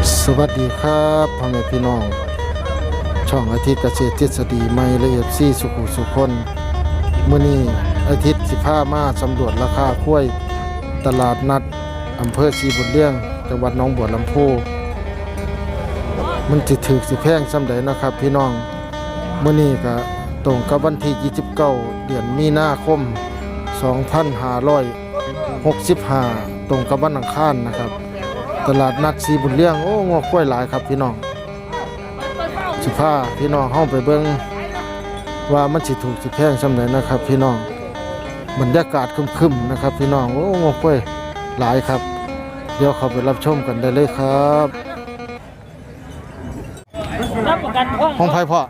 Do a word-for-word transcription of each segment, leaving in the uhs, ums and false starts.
สวัสดีครับพ่อแม่พี่น้องช่องอาทิตย์เกษตรทฤษฎีใหม่ละเอียดซี่สุขุสุคนมื้อนี้อาทิตย์สิพามาสำรวจราคากล้วยตลาดนัดอำเภอศรีบุญเลี้ยงจังหวัดหนองบัวลำพูมันสิถูกสิแพงส่ำใดนะครับพี่น้องมื้อนี้ก็ตรงกับวันที่ยี่สิบเก้าเดือนมีนาคมสองพันห้าร้อยหกสิบห้าตรงกับวันอังคารนะครับตลาดนัดศรีบุญเลี้ยงโอ้งัวควายหลายครับพี่น้องสิพาพี่น้องเฮาไปเบิ่งว่ามันสิถูกสิแพงส่ำใดนะครับพี่น้องบรรยากาศครึมๆนะครับพี่น้องโอ้งัวควายหลายครับเดี๋ยวเข้าไปรับชมกันได้เลยครับห้องไผพ่อ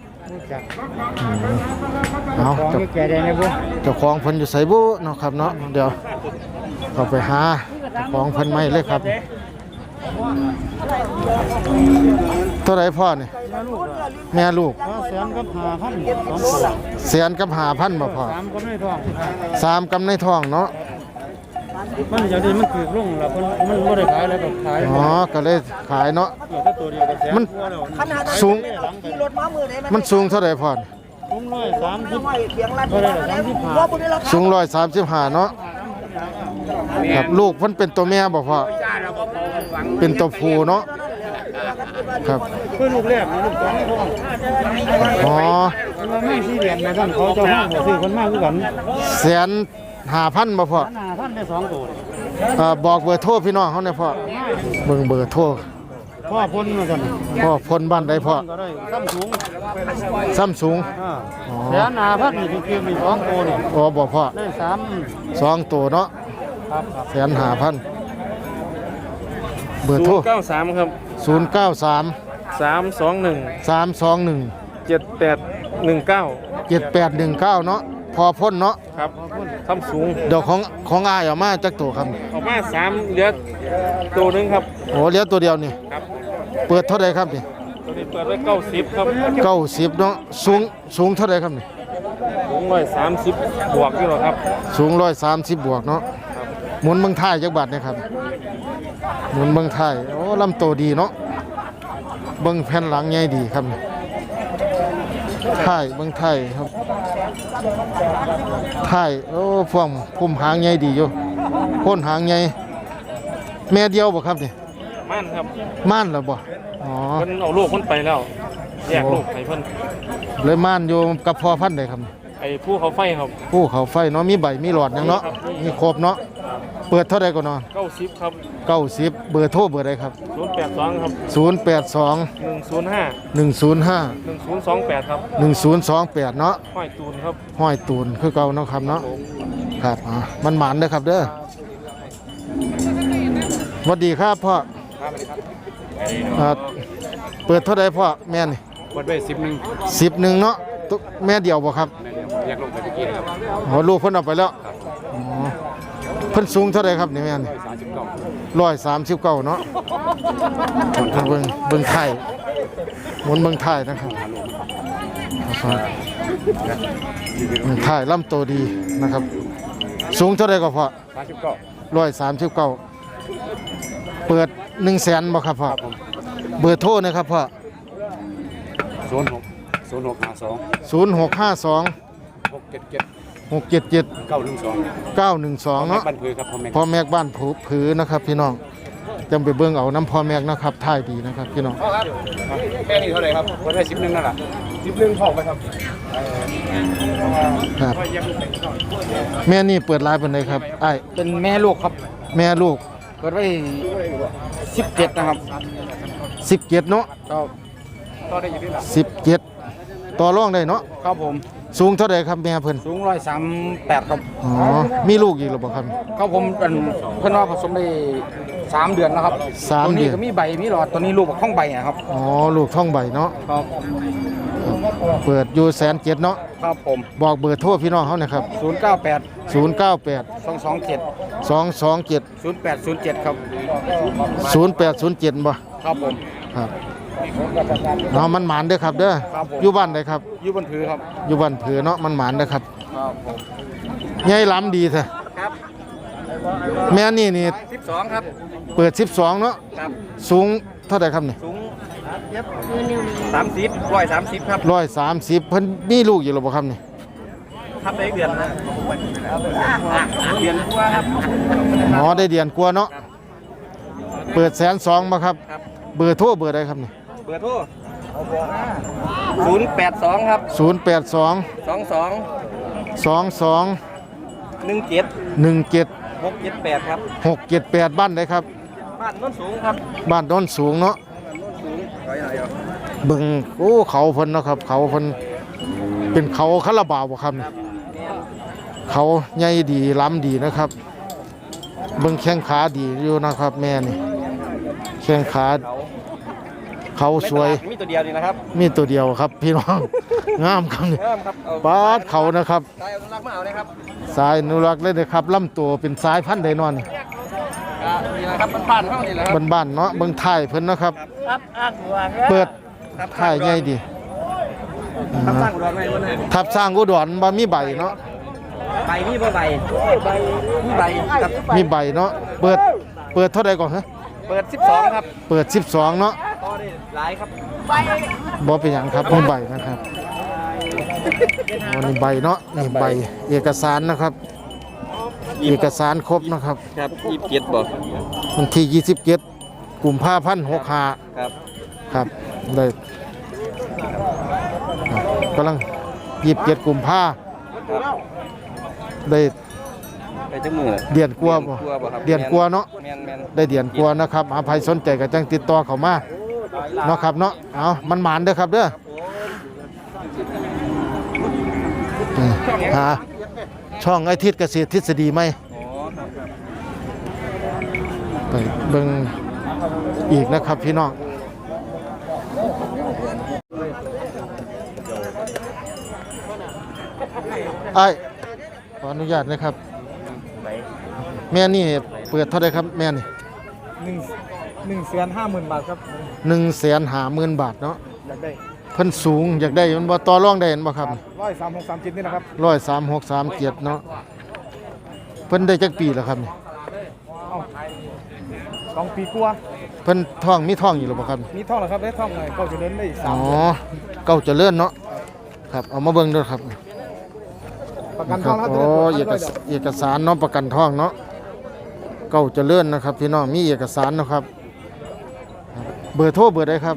เอาเจ้าเจ้าของเพิ่นอยู่ไสบุเนาะครับเนาะเดี๋ยวเข้าไปหาเจ้าของเพิ่นไม่เลยครับเท่าไหร่พ่อนี่แม่ลูกแสนกับห้าพันแสนกับห้าพันบ่พ่อสามกำในท้องสามกำในท้องเนาะมันอย่างนี้มันถือลงแล้วมันมันบ่ได้ขายแล้วก็ขายอ๋อก็เลยขายเนาะมันสูงมันสูงเท่าไหร่พ่อสูงร้อยสามสิบเท่าไหร่สามสิบห้าสูงร้อยสามสิบห้าเนาะครับลูกเพิ่นเป็นตัวแม่บ่พ่อเป็นตัวผู้เนาะครับเพิ่นลูกแรกลูกสองท้องอ๋อมันไม่สี่เหรียญนะท่านเขาเจ้าห้างบ่ซื้อคนมากคือกันแสนห้าพันบ่พ่อห้าพันได้สองตัวเอ่อบอกเบอร์โทรพี่น้องเฮาหน่อยพ่อเบิ่งเบอร์โทรพ่อพ้นว่าซั่นพ่อพ้นบ้านใดพ่อก็ได้ซ้ำสูงซ้ำสูงอ๋อแสนห้าพันนี่คือมีสองตัวนี่อ๋อบ่พ่อได้สามสองตัวเนาะครับแสนห้าพันเบอร์โทรเก้าสามครับศูนย์เก้าสามสามสองหนึ่งสามสองหนึ่งเจ็ดแปดหนึ่งเก้าเจ็ดแปดหนึ่งเก้าเนาะพอพ้นเนาะครับซ้ำสูงเดี๋ยวของของอายออกมาจักตัวครับออกมาสามเหลือตัวนึงครับโอ้เหลือตัวเดียวนี่ครับเปิดเท่าใดครับนี่ตัวนี้เปิดไว้เก้าสิบครับเก้าสิบเนาะสูงสูงเท่าใดครับนี่สูงร้อยสามสิบบวกอยู่หรอครับสูงร้อยสามสิบบวกเนาะหมุนเมืองไทยจักบาทนะครับหมุนเมืองไทยโอ้ลำโตดีเนาะเบิ่งแผ่นหลังใหญ่ดีครับไทยเบิ่งไทยครับไทยโอ้พวงพุ่มหางใหญ่ดีอยู่โคนหางใหญ่แม่เดียวบ่ครับนี่ม่านครับม่านเหรอบ่อ๋อเพิ่นเอาลูกเพิ่นไปแล้วแยกลูกให้เพิ่นเลยม่านอยู่กับพ่อพันธุ์ใดครับไอ้ผู้เขาไฟครับผู้เขาไฟเนาะมีใบมีหลอดหยังเนาะมีครบเนาะเปิดเท่าใดก่อนเนาะเก้าสิบครับเก้าสิบเบอร์โทรเบอร์ใดครับศูนย์แปดสองครับศูนย์แปดสองหนึ่งศูนย์ห้าหนึ่งศูนย์ห้าหนึ่งศูนย์สองแปดครับหนึ่งศูนย์สองแปดเนาะห้อยตูนครับห้อยตูนคือเก่าเนาะครับเนาะครับอ่ามันหมานเด้อครับเด้อสวัสดีครับพ่อครับสวัสดีครับอ่าเปิดเท่าใดพ่อแม่นี่เปิดไว้สิบหนึ่งสิบหนึ่งเนาะแม่เดียวบ่ครับแยกลูกไปเมื่อกี้นะครับอ๋อลูกเพิ่นเอาไปแล้วอ๋อเพิ่นสูงเท่าใดครับนี่แม่นี่ร้อยสามสิบเก้าเนาะเบิ่งเบิ่งไทยหมุนเบิ่งไทยนะครับเบิ่งไทยลำโตดีนะครับสูงเท่าใดก็พอสามสิบเก้าร้อยสามสิบเก้าเปิดหนึ่งแสนบ่ครับพ่อเบอร์โทรนะครับพ่อศูนย์หกศูนย์หกห้าสองศูนย์หกห้าสองหกเจ็ดเจ็ดหกเจ็ดเจ็ดเก้าหนึ่งสองเก้าหนึ่งสองเนาะพ่อแม่บ้านผูผือนะครับพี่น้องจำไปเบิ่งเอาน้ำพ่อแม่นะครับท่ายดีนะครับพี่น้องแค่นี้เท่าไหร่ครับก็ได้สิบหนึ่งนั่นแหละสิบหนึ่งพอไหมครับครับแม่นี่เปิดร้านเป็นไงครับไอ้เป็นแม่ลูกครับแม่ลูกเปิดไว้สิบเจ็ดนะครับสิบเจ็ดเนาะต่อได้อยู่ที่หลังสิบเจ็ดต่อรองได้เนาะครับผมสูงเท่าไหร่ครับแม่เพิ่นสูงร้อยสามแปดครับอ๋อมีลูกอีกหรือเปล่าครับครับผมเป็นเพิ่นว่าผสมได้สามเดือนแล้วครับสามเดือนตัวนี้ก็มีใบมีหลอดตัวนี้ลูกท่องใบนะครับอ๋อลูกท่องใบเนาะครับเปิดอยู่แสนเจ็ดเนาะครับผมบอกเบอร์โทรพี่น้องเขาหน่อยครับศูนย์เก้าแปดศูนย์เก้าแปดสองสองเจ็ดสองสองเจ็ดศูนย์แปดศูนย์เจ็ดครับศูนย์แปดศูนย์เจ็ดบ่ครับผมครับเนาะมันหมานเด้อครับเด้ออยู่บ้านใดครับอยู่บ้านผือครับอยู่บ้านผือเนาะมันหมานเด้อครับครับผมใหญ่ล้ำดีแท้ครับแม่นี่นี่สิบสองครับเปิดสิบสองเนาะครับสูงเท่าใดครับนี่สูงสามสิบร้อยสามสิบครับร้อยสามสิบเพิ่นมีลูกอยู่หรือบ่ครับนี่ครับได้เดือนนะเดือนกว่าครับอ๋อได้เดือนกว่าเนาะเปิดแสนสองบ่ครับครับเบอร์โทรเบอร์ใดครับนี่เบอร์โทรศูนย์แปดสองครับศูนย์แปดสองสองสองสองสองหนึ่งเจ็ดหนึ่งเจ็ดหกเจ็ดแปดครับหกเจ็ดแปดบ้านใดครับบ้านโน้นสูงครับบ้านโน้นสูงเนาะสูงร้อยหน่อยครับเบิ่งโอ้เขาเพิ่นเนาะครับ เขาเพิ่นเป็นเขาคาราบาวบ่ครับนี่เขาใหญ่ดีล้ำดีนะครับ เบิ่งแข้งขาดีอยู่นะครับ แม่นี่แข้งขาเขาเขาสวยมีตัวเดียวนี่นะครับมีตัวเดียวครับพี่น้อง งามครับนี่เริ่มครับเอปาดเขานะครับได้เอารักมาเอาเลยครับสายอนุรักษ์เลยนะครับลำตัวเป็นสายพันธุ์ไดนอนนี่อ่านี่นะครับมันผ่านเข้านี่แหละครับบ้านๆเนาะเบิ่งท้ายเพิ่นนะครับครับอ่างหัวเปิดครับท้ายใหญ่ดีครับสร้างอุดรไว้บนนั้นทับสร้างอุดรบ่มีใบเนาะใบนี่บ่ใบใบนี่ใบครับมีใบเนาะเปิดเปิดเท่าใดก่อนฮะเปิดสิบสองครับเปิดสิบสองเนาะต่อได้หลายครับบ่เป็นหยังครับมีใบนะครับวันนี้ใบเนาะนี่ใบเอกสารนะครับ เอกสารครบนะครับครับยี่สิบเจ็ดบ่วันที่ยี่สิบเจ็ดกุมภาพันธ์หกห้าครับครับได้ครับกำลังยี่สิบเจ็ดกุมภาได้ไปจังมือเดือนกว่าบ่บ่ครับเดือนกว่าเนาะแม่นแม่นได้เดือนกว่านะครับหาใครสนใจก็จังติดต่อเข้ามาเนาะครับเนาะเอามันหมานเด้อครับเด้ออืมหาช่องไอทิศเกษตรทฤษฎีไหมอ๋อครับครับไปเบิ่งอีกนะครับพี่น้องไอ้ายขออนุญาตนะครับ แม่นี่เปิดเท่าไหรครับแม่นี่หนึ่งหนึ่งแสนห้าหมื่นบาทครับหนึ่งแสนหาหมื่นบาทเนาะอยากได้เพิ่นสูงอยากได้มันบ่ต่อรองได้เห็นบ่ครับร้อยสามหกสามเจ็ดนี่นะครับร้อยสามหกสามเจ็ดเนาะเพิ่นได้จักปีแล้วครับนี่เอ้าสองปีกว่าเพิ่นท้องมีท้องอยู่หรือบ่ครับมีท่องเหรอครับได้ท่องหน่อยก็จะเดินได้สาอ๋มอเดือนเก่าเจริญเนาะครับเอามาเบิ่งด้วยครับประกันท่องแล้วโอ้เอกสเอกสารเนาะประกันท้องเนาะเก่าเจริญนะครับพี่น้องมีเอกสารเนาะครับครับเบอร์โทรเบอร์ใดครับ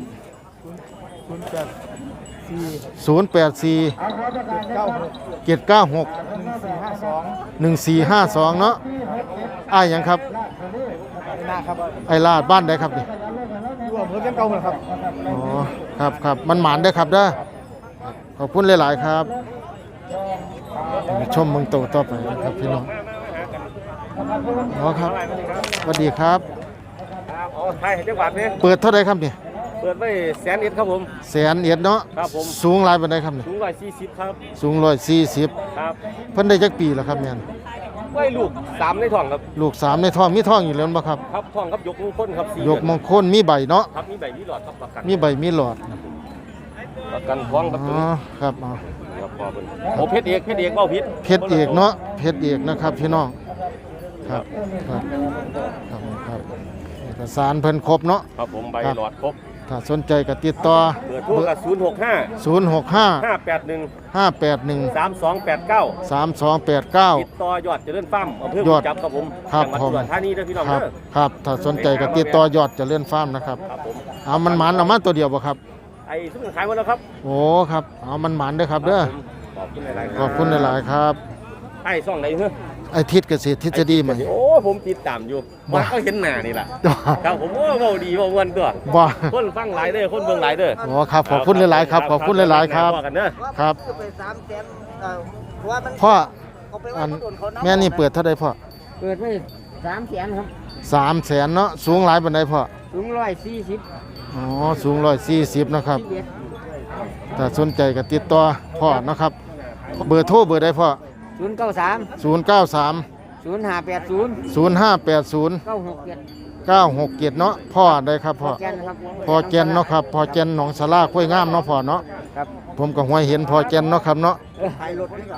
ศูนย์แปดสี่ศูนย์แปดสี่เจ็ดเก้าหกเจ็ดเก้าหกหนึ่งสี่ห้าสองหนึ่งสี่ห้าสองเนาะอ้ายหยังครับหน้าครับไอ้ลาดบ้านใดครับนี่รวมเพิ่มยังเก่าเหมือนครับอ๋อครับครับมันหมานได้อครับเด้อขอบคุณหลาย ๆ ครับไปชมเมืองโตต่อไปนะครับพี่น้องอ๋อครับสวัสดีครับอ๋อไทยจังหวัดนี้เปิดเท่าไรครับนี่เปิดไว้แสนเอ็ดครับผมแสนเอ็ดเนาะครับผมสูงหลายปานใดครับนี่สูงร้อยสี่สิบครับสูงร้อยสี่สิบครับเพิ่นได้จักปีแล้วครับแม่นไว้ลูกสามในท้องครับลูกสามในท้องมีท้องอยู่แล้วบ่ครับครับท้องครับยกมงคลครับสี่ยกมงคลมีใบเนาะครับมีใบมีหลอดครับประกันมีใบมีหลอดประกันท้องครับอ๋ตัวอนี้ครับอ๋อครับพอเป็นโอ้เพชรเอกเพชรเอกเบ้าพิษเพชรเอกเนาะเพชรเอกนะครับพี่น้องครับครับครับครับเอกสารเพิ่นครบเนาะครับผมใบครับหลอดครบถ้าสนใจก็ติดต่อเบอร์โทรกับศูนย์หกห้าศูนย์หกห้าห้าแปดหนึ่งห้าแปดหนึ่งสามสองแปดเก้าสามสองแปดเก้าติดต่อยอดเจริญฟาร์มอำเภอยอดจับครับผมครับจังหวัดผมอุดรธานีเด้อพี่น้องครับเด้อครับถ้าสนใจก็ติดต่อยอดเจะเลื่อนฟาร์มนะครับครับผมเอามันหมานเอามาตัวเดียวบ่ครับไอ้ซุปเปอร์ขายหมดแล้วครับโอ้ครับเอามันหมานเด้อครับเด้อขอบคุณหลายๆขอบคุณหลายๆครับไอ้ซ่องไหนเฮ้อไอทิศเกษตรทฤษฎีใหม่โอ้ผมติดตามอยู่บ่ว่าเขาเห็นหน้านี่ล่ะครับผมโอ้เว้าดีเว้าม่วนตัวบ่คนฟังหลายเด้อคนเบิ่งหลายเด้ออ๋อครับขอบคุณหลายๆครับขอบคุณหลายๆครับว่ากันเด้อครับไปสามแสนเอ่อเพราะว่ามันพ่อเอาไปอัว่าน เขาโดนเขานับแม่นี่เปิดเท่าใดพ่อเปิดไปสามแสนครับสามแสนเนาะสูงหลายปานใดพ่อถึงร้อยสี่สิบอ๋อสูงร้อยสี่สิบนะครับเอ็ดถ้าสนใจก็ติดต่อพ่อนะครับ เบอร์โทรเบอร์ใดพ่อศูนย์เก้าสามศูนย์เก้าสามศูนย์ห้าแปดศูนย์ศูนย์ห้าแปดศูนย์เก้าหกเจ็ดเก้าหกเจ็ดเนาะพ่อได้ครับพ่อแกนครับพอแกนเนาะครับพอแกนหนองสลาห้วยงามเนาะพ่อเนาะครับผมก็ห้วยเห็นพอแกนเนาะครับเนาะไทยรถนี่ก่อน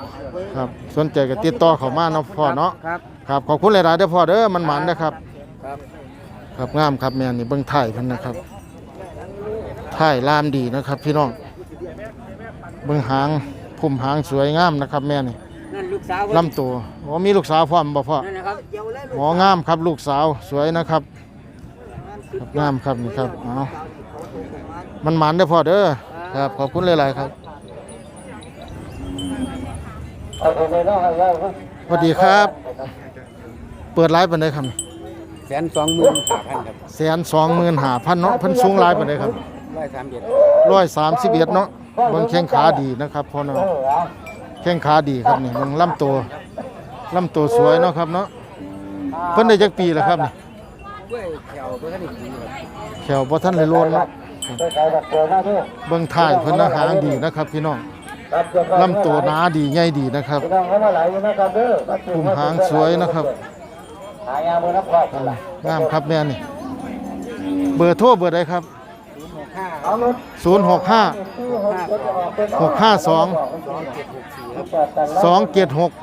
ครับสนใจก็ติดต่อเข้ามาเนาะพ่อเนาะครับครับขอบคุณหลายๆเด้อพ่อเด้อมันหมันนะครับครับครับงามครับแม่นี่เบิ่งไทยเพิ่นนะครับถ่ายลามดีนะครับพี่น้องเบิ่งหางพุ่มหางสวยงามนะครับแม่นี่นั่นลูกสาวลำตัวอ๋อมีลูกสาวพร้อมบ่พ่อนั่นนะครับเดี๋ยวเลยอ๋องามครับลูกสาวสวยนะครับครับงามครับนี่ครับเอามันหมันได้อพ่อเด้อครับขอบคุณหลายๆครับสวัสดีครับ เปิดไลฟ์ปานใดครับแสนสองหมื่นห้าพันครับแสนสองหมื่นห้าพันเนาะเพิ่นสูงหลายปานใดครับร้อยสามเอ็ดร้อยสามสิบเอ็ดเนาะเบิ่งแข้งขาดีนะครับพ่อเนาะแข้งขาดีครับนี่เบิ่งลำตัวลำตัวสวยเนาะครับเนาะเพิ่นได้จักปีแล้วครับนี่ด้วยแถวตัวท่านอีกทีครับแขวบ่ทันได้โลนเนาะเบิ่งถ่ายเพิ่นนะหางดีนะครับพี่น้องลำตัวหนาดีใหญ่ดีนะครับปุ่มหางสวยนะครับงามครับแม่นี่เบอร์โทรเบอร์ใดครับศูนย์หกห้า หกห้าสอง สองเจ็ดหก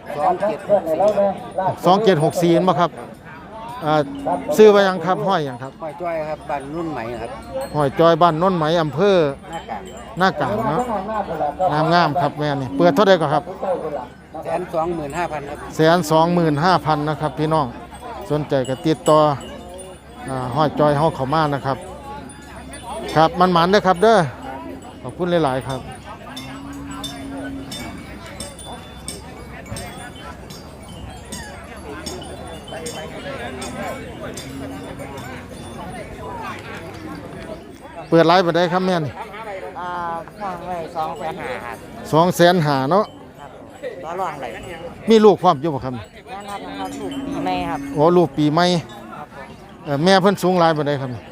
สองเจ็ดหกสี่บ่ครับอ่าซื้อไว้ยังครับห้อยยังครับห้อยจ้อยครับบ้านรุ่นใหม่ครับห้อยจอยบ้านโน้นไหมอำเภอหน้ากากหน้ากลางเนาะงามงามๆครับแม่นี่เปิดเท่าใดก็ครับแสนสองหมื่นห้าพันครับแสนสองหมื่นห้าพันนะครับพี่น้องสนใจก็ติดต่ออ่าห้อยจอยเฮาเข้ามานะครับ ครับมันหมันเด้อครับเด้อขอบคุณหลายๆครับเปิดไลฟ์ไปได้ครับแม่นี่อ่าห้องไว้สองแสนห้าครับสองแสนหาเนาะครับต่อรองเลยมีลูกพร้อมอยู่บ่ครับแม่ครับนะครับถูกปีใหม่ครับโอ้ลูกปีใหม่ครับผมเอ่อแม่เพิ่นสูงหลายปานใดครับเอ่อ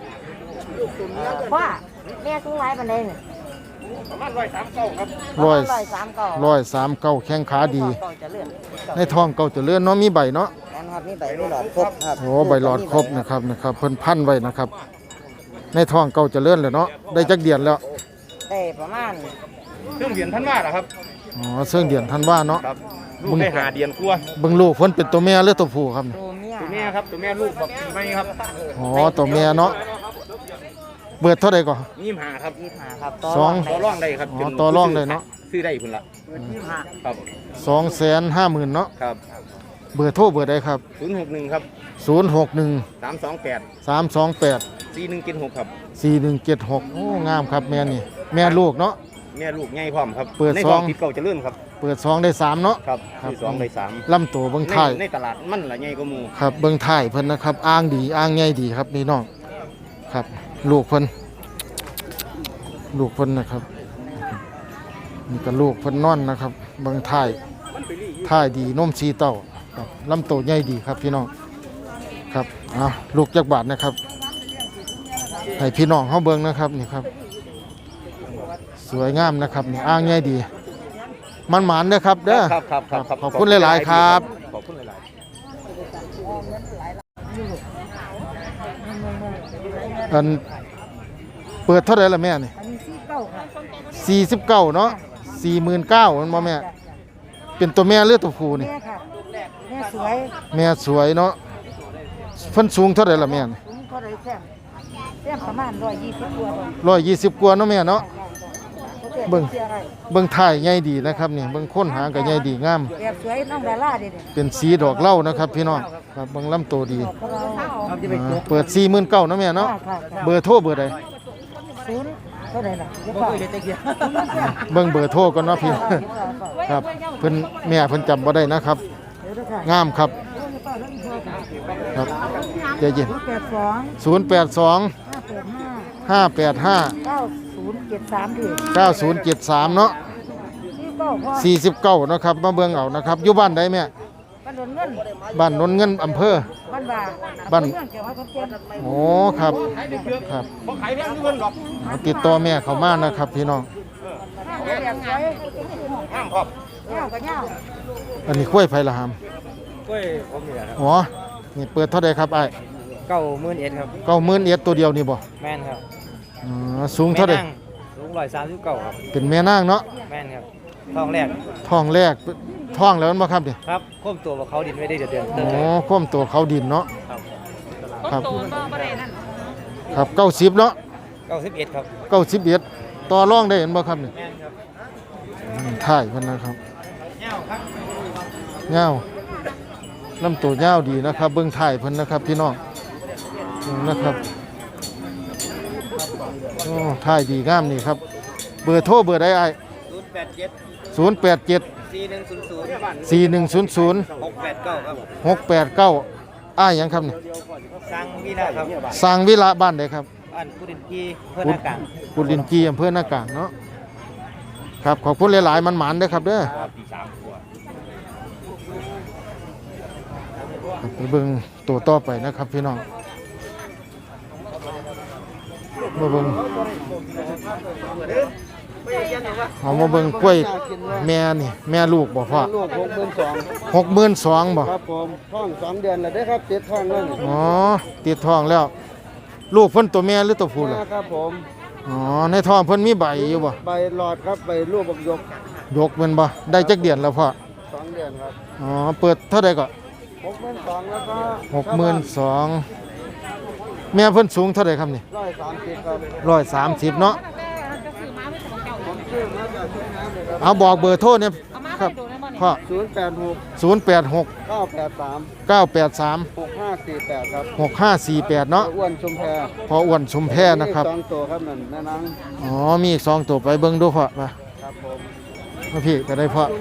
ว่าแม่สูงหลายปานใดนี่ร้อยร้อยสามเก้าร้อยสามเก้าแข้งขาดีเก้าจะเลื่อนในท้องเก่าเจะเลื่อนเนาะมีใบเนาะแม่นครับนี่ใบนี่หลอดครบครับโอ้ใบหลอดครบนะครับนะครับเพิ่นพันไว้นะครับ ในท้องเก่าเจะเลื่อนเลยเนาะได้จักเดือนแล้วได้ประมาณเครื่องเดือนท่านว่าเหรอครับอ๋อเสื่องเดือนทันว่าเนาะครับลูกได้หาเดือนกลัวเบิ่งลูกเพิ่นเป็นตัวแม่หรือตัวผู้ครับตัวเมียตัวแม่ครับตัวแม่ลูกบอกปีใหม่ครับอ๋อตัวแม่เนาะเบิดเท่าใดก่อนยี่สิบห้าครับยี่สิบห้าครับสองต่อรองได้ครับอ๋อต่อรองได้เนาะซื้อได้พุ่นละยี่สิบห้าครับสองแสนห้าหมื่นเนาะครับเบอร์โทรเบอร์ใดครับศูนย์หกหนึ่งครับศูนย์หกหนึ่งสามสองแปดสามสองแปดสี่หนึ่งเจ็ดหกครับสี่หนึ่งเจ็ดหกโอ้งามครับแม่นี่แม่ลูกเนาะแม่ลูกใหญ่พร้อมครับเปิดในซท้ออง งติดเก่าเจะเลื่อนครับเปิดซองได้สามเนาะครับครับที่สองได้สามลำตัวเบิ้งในถ่ายในตลาดมันละใหญ่กว่าหมูครับเบิ้งถ่ายเพิ่นนะครับอ้างดีอ้างใหญ่ดีครับนี่น้องครับลูกเพิ่นลูกเพิ่นนะครับนี่ก็ลูกเพิ่นนอนนะครับเบิ้งถ่ายถ่ายดีนมสีเต้าครับลำตัวใหญ่ดีครับพี่น้องครับอ่ะลูกจักบาทนะครับให้พี่น้องเขาเบิ้งนะครับนี่ครับสวยงามนะครับนี่อ้างใหญ่ดี มันหมานนะครับเด้อครับครับครับครับขอบคุณหลายๆครับขอบคุณหลายๆอันเปิดเท่าไหร่ละแม่นี่อันนี้สี่เก้าครับสี่สิบเก้าเนาะสี่หมื่นเก้ามันบ่แม่ เป็นตัวแม่หรือตัวผู้นี่แม่ค่ะแม่สวยแม่สวยเนาะเพิ่นสูงเท่าไหร่ละแม่นี่สูงเท่าไรแซมแซมประมาณร้อยยี่สิบกว่าบาทร้อยยี่สิบกว่าเนาะแม่เนาะ เบิ่งเสียอะไรเบิ่งถ่ายใหญ่ดีนะครับนี่เบิ่งค้นหางก็ใหญ่ดีงามแบบสวยน้องดาราเด็ดเป็นสีดอกเหล้านะครับ พี่น้องครับเบิ่งลำตัวดีๆของเราอ่าเปิดสี่หมื่นเก้าเนาะแม่เนาะค่ะค่ะเบอร์โทรเบอร์ใดศูนย์เท่าไหร่ล่ะเดี๋ยวก่อนเบิ่งเบอร์โทรก่อนเนาะพี่ ครับเพิ่นแม่เพิ่นจำบ่ได้นะครับเดี๋ยวนะคะงามครับครับใจเย็นศูนย์แปดสองศูนย์แปดสองห้าแปดห้าห้าแปดห้าเก้าศูนย์เจ็ดสามถึงเก้าศูนย์เจ็ดสามเนาะที่เก้าพ่อสี่สิบเก้านาะครับมาเบิ่งเอานะครับอยู่บ้านใดแม่บ้านโดนเงินบ้านนนเงินอำเภอบ้านบ่าบ้านเมืองเกี่ยวกับคนเจ็บโอ้ครับครับบ่ขายแพงเงินหรอกเอาติดต่อแม่เข้ามานะครับพี่น้องห้าแบบสวยห้ามครับเงาก็เงาอันนี้กล้วยไผ่ละหามกล้วยผมนี่แหละครับอ๋อนี่เปิดเท่าใดครับไอ้เก้าหมื่นเอ็ดครับเก้าหมื่นเอ็ดตัวเดียวนี่บ่แม่นครับอ๋อสูงเท่าใดแม่นั่งสูงร้อยสามสิบเก้าครับเป็นแม่นางเนาะแม่นครับทองแรกท้องแรกท้องแล้วมันบ่ครับนี่ครับควบตัวกับเขาดินไม่ได้เดือดเดือดโอ้ข้มตัวเขาดินเนาะครับครับครับเก้าสิบเนาะเก้าก้าสิบเอ็ดครับเก้าสิบเอ็ดต่อรองได้เห็นบ่ครับนี่แม่นครับอืมถ่ายเพิ่นนะครับเงาลำตัวเงาดีนะครับ เบิ่งถ่ายเพิ่นนะครับพี่น้องนี่นะครับโอ้ถ่ายดีงามนี่ครับเบอร์โทรเบอร์ใดอ้ายศูนย์แปดเจ็ดศูนย์แปดเจ็ดสี่หนึ่งศูนย์ศูนย์สี่หนึ่งศูนย์ศูนย์หกแปดเก้าครับหกแปดเก้าอ้ายหยังครับนี่สร้างวิลาครับสร้างวิระบ้านใดครับอันกุดินกีเพื่อนอากาศกุลินจีอำเภอนากลางเนาะครับขอบคุณหลายๆมันหมานเด้อครับเด้อครับไปเบิ่งตัวต่อไปนะครับพี่น้องมาเบิ่งเอามาเบิ่งกล้วยแม่นี่แม่ลูกบ่พ่อลูกหกหมื่นสองหกหมื่นสองบ่ครับผมท้องสองเดือนแล้วได้ครับติดท้องแล้วนี่อ๋อติดท้องแล้ว ลูกเพิ่นตัวแม่หรือตัวผู้ล่ะครับผมอ๋อในท้องเพิ่นมีใบอยู่บ่ใบหลอดครับใบลูกบักยกยกแม่นบ่ได้จักเดือนแล้วพ่อสองเดือนครับอ๋อเปิดเท่าใดก็หกหมื่นสองแล้วก็หกหมื่นสองแม่เพิ่นสูงเท่าไหร่ครับนี่ร้อยสามสิบครับร้อยสามสิบเนาะผมชื่อมาจากที่น้ำเลยครับเอาบอกเบอร์โทรเนี่ยครับพ่อศูนย์แปดหกศูนย์แปดหกเก้าแปดสามเก้าแปดสามหกห้าสี่แปดครับหกห้าสี่แปดเนาะอ้วนชุมแพพออ้วนชุมแพนะครับสองตัวครับนั่นแม่นังอ๋อมีอีกสองตัวไปเบิ่งดูพ่อมาครับผมมาพี่ก็ได้พ่อ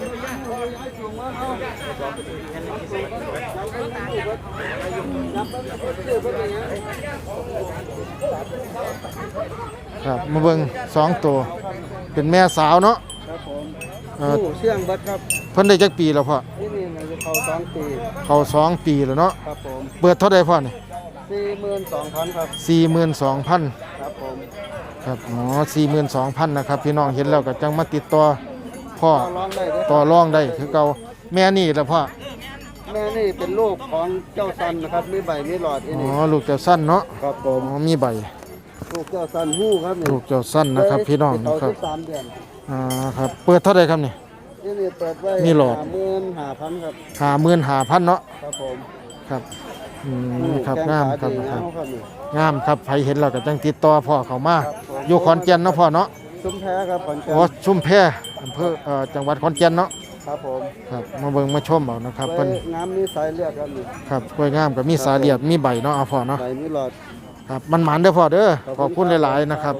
ครับมาเบิ่งสองตัวเป็นแม่สาวเนาะครับผมเอ่อผู้เชื่องเบัดครับเพิ่นได้จักปีแล้วพ่อที่นี่มันจะเข้าสองปีเขาสองปีแล้วเนาะครับผมเปิดเท่าใดพ่อนี่สี่หมื่นสองพันครับสี่หมื่นสองพันครับผมครับอ๋อสี่หมื่นสองพันนะครับพี่น้องเห็นแล้วก็จังมาติดต่อพ่อต่อรองได้เด้อต่อรองได้คือเก่าแม่นี่แล้วพ่อแม่นี่เป็นลูกของเจ้าซันนะครับมีใบมีหลอดที่อ๋อนี่ลูกเจ้าสั้นเนาะครับผอ๋มอมีใบลูกเจ้าซันหู้ครับนี่ลูกเจ้าสั้นนะครับพี่น้องเขานะครับสิบสามเดือนอ่าครับเปิดเท่าไหร่ครับนี่ที่นี่เปิดไว้มีหลอดหมื่นห้าพันครับห้าหมื่นห้าพันเนาะครับผมครับอืมครับแกงามขครับดีคงารับมครับนี่งามครับใครเห็นเราก็จังติดต่อพ่อเขามาครับผมอยู่ขอนแก่นเนาะพ่อเนาะชุมแพครับขอนแก่นโอ้ชุมแพอำเภอเอ่อจังหวัดขอนแก่นเนาะครับผมครับมาเบิ่งมาชมเอานะครับไว้เพิ่นงามมีสายเลือดครับนี่ครับกล้วยงามกับมีสาเหลียดมีใบเนาะเอาพ่อเนาะใบมีหลอดครับมันหมันเด้อพ่อเด้อขอบคุณหลายๆนะครับ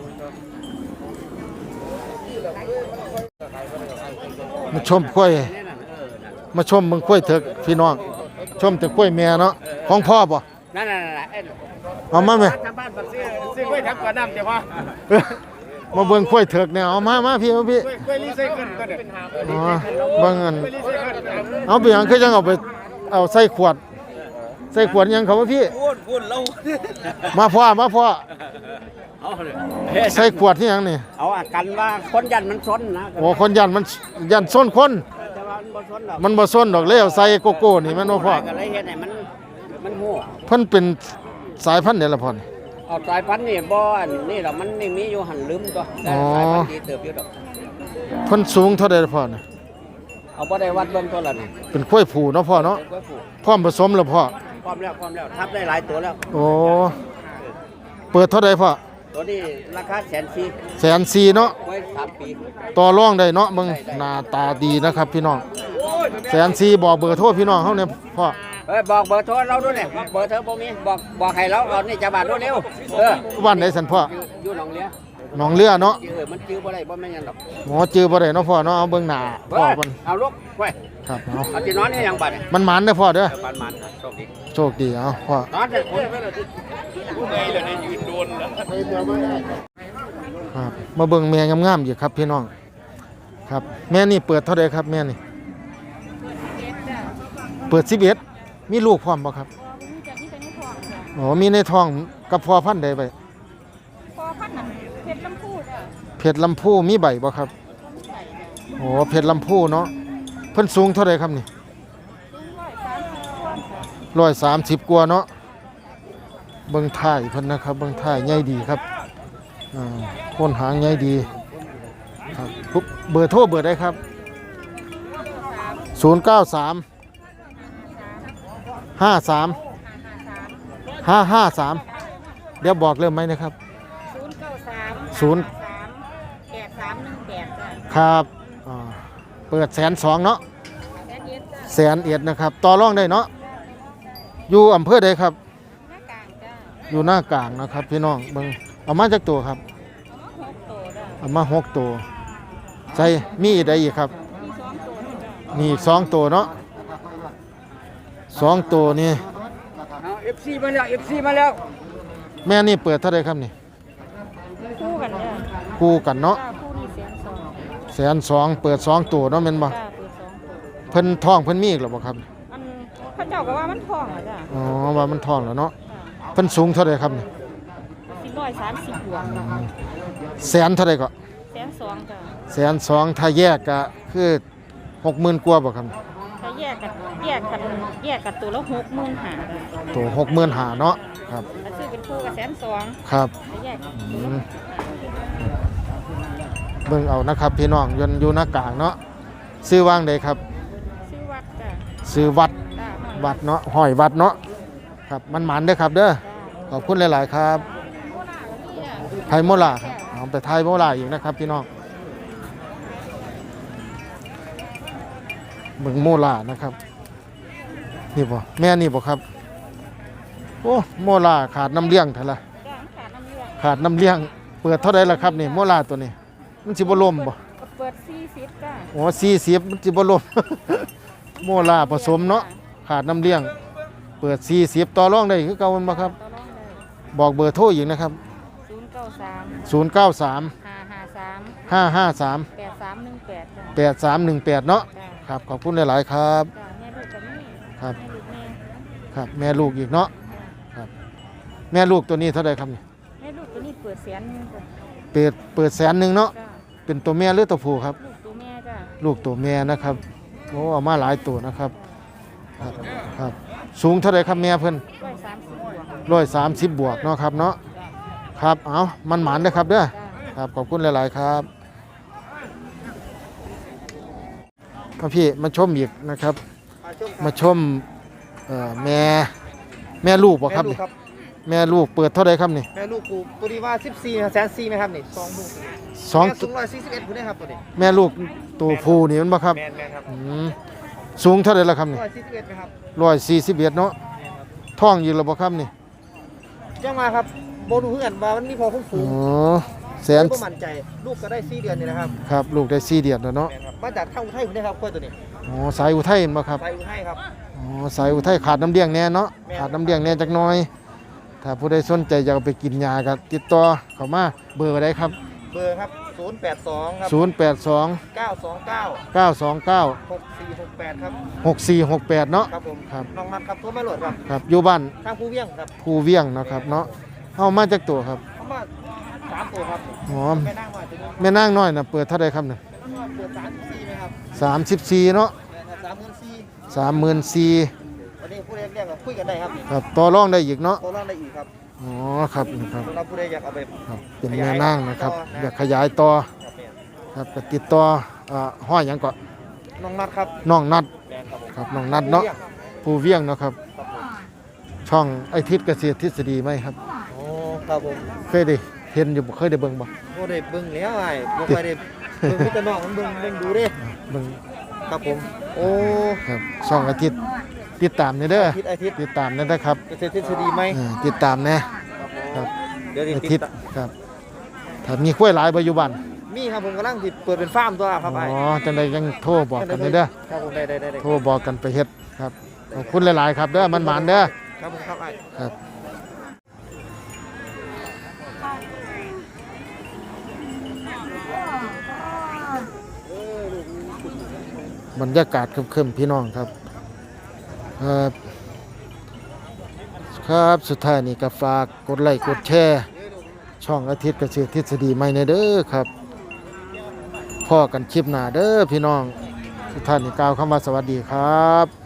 มาชมกล้วยมาชมมึงกล้วยเถอะพี่น้องชมแต่กล้วยแม่เนาะของพ่อบ่นั่นน่ะนั่นน่ะเอ้ยเอามาไหมทางบ้านบักซื้อซื้อกล้วยทับกว่าน้ำเจ้าพ่อมาเบิ่งกล้วยเถอกเนี่ยเอามามาพี่มาพี่กล้วยกล้วยรีไซเคิลก็ได้อ๋อเบิ่งอันกล้วยรีไซเคิลเอาไปหยังคือจังเอาไปเอาใส่ขวด ใส่ขวดหยังเขาว่าพี่พูดพูดแล้วมาพ่อมาพ่อเอาเลยใส่ขวดที่หยังนี่เอาอากันว่าคนยันมันซนนะโอ้คนยันมันยันส้นคนแต่ว่ามันบ่ซนหรอกมันบ่ส้นดอกเลยเอาใส่โกโก้นี่แม่นบ่พ่อก็เลยเฮ็ดให้มันมันหัวเพิ่นเป็นสายพันธุ์เดละพ่อนี่เอาสายพันธุ์นี่บ่อันนี่ดอกมันนี่มีอยู่หันลืมตัวแต่อ๋อสายพันธุ์ดีเติบอยู่ดอกเพิ่นสูงเท่าใดละพ่อนี่เอาบ่ได้วัดเบิ่งตัวละนี่เป็นกล้วยผูเนาะพ่อเนาะเป็นกล้วยผูกพร้อมผสมแล้วพ่อพร้อมแล้วพร้อมแล้วทับได้หลายตัวแล้วโอ้เปิดเท่าใดพ่อตัวนี้ราคาแสนสี่แสนสี่เนาะไว้สามปีต่อรองได้เนาะเบิ่งหน้าตาดีนะครับพี่น้องแสนสี่บอกเบอร์โทรพี่น้องเฮาเนี่ยพ่อเอ้ยบอกเบอร์โทรเราด้วยเนี่ยบอกเบอร์โทรบ่มีบอกบอกให้เราเอานี่จะบาดรวดเร็วเออบ้านไหนสันพ่ออยู่อยู่หนองเลี้ยหนองเรือเนาะเออมันจื้อบ่ได้บ่แม่นหยังดอกหมอจือบ่ได้เนาะพ่อเนาะเอาเบิ่งหน้าพ่อเฮ้ยมันเอาลูกไว้ครับเอาเอาที่นอนนี่ยังบัดเนี่ยมันหมันเด้อพ่อเด้อเออปานมันนะโชคดีโชคดีเอาพ่อนอนเถอะคนไปเลยผู้ใดเลยได้ยืนโดนแล้วครับมาเบิ่งแม่งามๆอยู่ครับพี่น้องครับ แม่นี่เปิดเท่าใดครับแม่นี่เปิดสิบเอ็ดมีลูกพร้อมบ่ครับมีจากที่เป็นในท้องจ้ะอ๋อมีในท้องกับพ่อพันธุ์ใดไปพอพันนั่นเพชรลำพูจ้ะเพชรลำพูมีใบบ่ครับโอ้เพชรลำพูเนาะเพิ่นสูงเท่าใดครับนี่สูงร้อยสามสิบกว่าจ้ะร้อยสามสิบกว่าเนาะเบิ่งท้ายเพิ่นนะครับเบิ่งท้ายใหญ่ดีครับอ่าโคนหางใหญ่ดีครับปุ๊บเบอร์โทรเบอร์ได้ครับศูนย์เก้าสามห้าสามห้าห้าสามเดี๋ยวบอกเริ่มไหมนะครับศูนย์เก้าสามศูนย์สามแปดสามหนึ่งแปดจ้ะครับอ่าเปิดแสนสองเนาะแสนเอ็ดจ้ะแสนเอ็ดนะครับต่อรองได้เนาะอยู่อำเภอใดครับหน้ากลางจ้ะอยู่หน้ากลางนะครับพี่น้องเบิ่งเอามาจากตัวครับหกตัวจ้ะเอามาหกตัวใส่มีอีกใดอีกครับมีสองตัวจ้ะมีอีกสองตัวเนาะสองตัวนี่เอา เอฟ ซี มาแล้ว เอฟ ซี มาแล้วแม่นี่เปิดเท่าไรครับนี่คู่กันจ้ะคู่กันเนาะจ้าคู่นี้แสนสองแสนสองเปิดสองตัวเนาะแม่นบ่จ้าเปิดสองตัวเพิ่นท้องเพิ่นมีอีกหรือบ่ครับอันพระเจ้าก็ว่ามันทองเหรอจ้ะอ๋อว่ามันท้องแล้วเนาะจ้ะเพิ่นสูงเท่าไรครับนี่สี่ร้อยสามสิบบวกจ้ะแสนเท่าไรก็แสนสองจ้ะแสนสองถ้าแยกก็คือหกหมื่นกว่าบ่ครับถ้าแยกกันแยกกันแยกกันตัวละหกหมื่นห้าจ้ะตัวหกหมื่นห้าเนาะครับถ้าซื้อเป็นคู่กับแสนสองครับถ้าแยกกันอืมเบิ่งเอานะครับพี่น้องยนต์อยู่หน้ากลางเนาะซื้อวางใดครับซื้อวัดจ้ะซื้อวัดจ้าวัดเนาะห้อยวัดเนาะครับมันหมันเด้อครับเด้อจ้าขอบคุณหลาย ๆ ครับ ไทยโมล่าครับเอาไปไทยโมล่าอีกนะครับพี่น้องเบิ่งโมล่านะครับนี่บ่แม่นี่บ่ครับโอ้โมล่าขาดน้ำเลี้ยงเท่าไหร่จ้าขาดน้ำเลือดขาดน้ำเลี้ยงเปิดเท่าไหร่ล่ะครับนี่โมล่าตัวนี้มันสิบ่ล่มบ่เปิดสี่สิบจ้าโอ้สี่สิบมันสิบ่ล่ม โมล่าผสมเนาะขาดน้ำเลี้ยง เปิดสี่สิบต่อรองได้คือเก่ามันบ่ครับต่อรองเลยบอกเบอร์โทรอีกนะครับศูนย์เก้าสามศูนย์ เก้า สามห้าห้าสามห้า ห้า สามแปดสามหนึ่งแปดจ้าแปด สาม หนึ่ง แปดเนาะจ้าครับขอบคุณหลาย ๆ ครับจ้าแม่ลูกกับแม่ครับแม่ลูกแม่ครับแม่ลูกอีกเนาะครับแม่ลูกตัวนี้เท่าไหร่ครับนี่แม่ลูกตัวนี้เปิดแสนหนึงจ้าเปิดเปิดแสนหนึ่งเนาะจ้าเป็นตัวแม่หรือตัวผู้ครับลูกตัวแม่จ้าลูกตัวแม่นะครับโอ้เอามาหลายตัวนะครับครับครับสูงเท่าไหร่ครับแม่เพิ่นร้อยสามสิบบวกร้อยสามสิบบวกเนาะครับเนาะครับเอามันหมานเด้อครับเด้อจ้าครับขอบคุณหลาย ๆ ครับมาพี่มาชมอีกนะครับ มาชมเอ่อแม่แม่ลูกบ่ครับนี่แม่ลูกเปิดเท่าไหร่ครับนี่แม่ลูกกูตัวนี้ว่าสิบสี่แสนสี่ไหมครับนี่สองลูกสองแม่สูงร้อยสี่สิบเอ็ดคุณได้ครับตัวนี้แม่ลูกตัวผู้นี่มันบ่ครับแมนแมนครับอืมสูงเท่าไหร่ละครับนี่ร้อยสี่สิบเอ็ดไหมครับร้อยสี่สิบเอ็ดเนาะท้องอยู่แล้วบ่ครับนี่ยังมาครับโบนูเพื่อนว่ามันมีพอคุ้มฝูอ๋งอแสนก็มั่นใจลูกก็ได้สี่เดือนนี่นะครับครับลูกได้สี่เดือนแล้วเนาะแมนครับมาจากทางอุทัยคุณได้ครับกล้วยตัวนี้อ๋อสายอุทัยเห็นบ่ครับไปอุทัยครับอ๋อสายอุทัยขาดน้ำเลี้ยงแน่เนาะแม่นขาดน้ำเลี้ยงแน่จักหน่อย ถ้าผู้ใดสนใจอยากเอาไปกินยาก็ติดต่อเข้ามาเบอร์ใดครับเบอร์ครับศูนย์แปดสองครับศูนย์แปดสองเก้าสองเก้าเก้าสองเก้าหกสี่หกแปดครับหกสี่หกแปดเนาะครับผมครับน้องนัดครับตัวไม่หลดครับครับอยู่บ้านทางผู้เวียงครับภูเวียงนะครับเนาะเอามาจากตัวครับเขามาสามตัวครับอ๋อแม่นั่งมาตัวนี้แม่นางน้อยน่ะเปิดเท่าใดครับเนี่ยเปิดสามสิบสี่ไหมครับสามสิบสี่เนาะแม่ครับสามหมื่นสี่สามหมื่นสี่วันนี้ผู้ใดเรียกก็คุยกันได้ครับครับต่อรองได้อีกเนาะโตร่างได้อีกครับอ๋อครับนะครับสำหรับผู้ใดอยากเอาไปครับเป็นแม่นางนะครับอยากขยายต่อครับแม่ครับก็ติดต่ออ่าห้อยหยังก็น้องนัดครับน้องนัดแม่ครับผมครับน้องนัดเนาะภูเวียงเนาะครับครับผมช่องไอทิศเกษตรทฤษฎีไหมครับโอ้ครับผมเคยได้เห็นอยู่บ่เคยได้เบิ่งบ่โอ้ได้เบิ่งแล้วไอ้บ่ค่อยได้เบิ่งมีแต่น้องมันเบิ่งเบิ่งดูเด้เบิ่งครับผมโอ้ครับช่องอาทิตย์ติดตามนี่เด้ออาทิตย์อาทิตย์ติดตามนี่นะครับเกษตรทฤษฎีไหมเออติดตามแน่ครับผมครับเดี๋ยวอาติทิดตย์ครับถ้ามีกล้วยหลายบ่อยู่บ้านมีครับผมกำลังสิเปิดเป็นฟาร์มตัวครับอ๋ไอ้อจังไดยังโทรบอกกันเด้อครับผมได้ได้ได้ได้โทรบอกกันไปเฮ็ดครับขอบคุณหลายๆครับเด้อมันหมานเด้อครับผมครับไอ้ครับบรรยากาศครึมๆพี่น้องครับครับครับสุดท้ายนี่ก็ฝากกดไลค์กดแชร์ช่องอาทิตย์เกษตรทฤษฎีใหม่ในเด้อครับพ่อกันคลิปหน้าเด้อพี่น้องสุดท้ายนี่กล่าวคำว่าสวัสดีครับ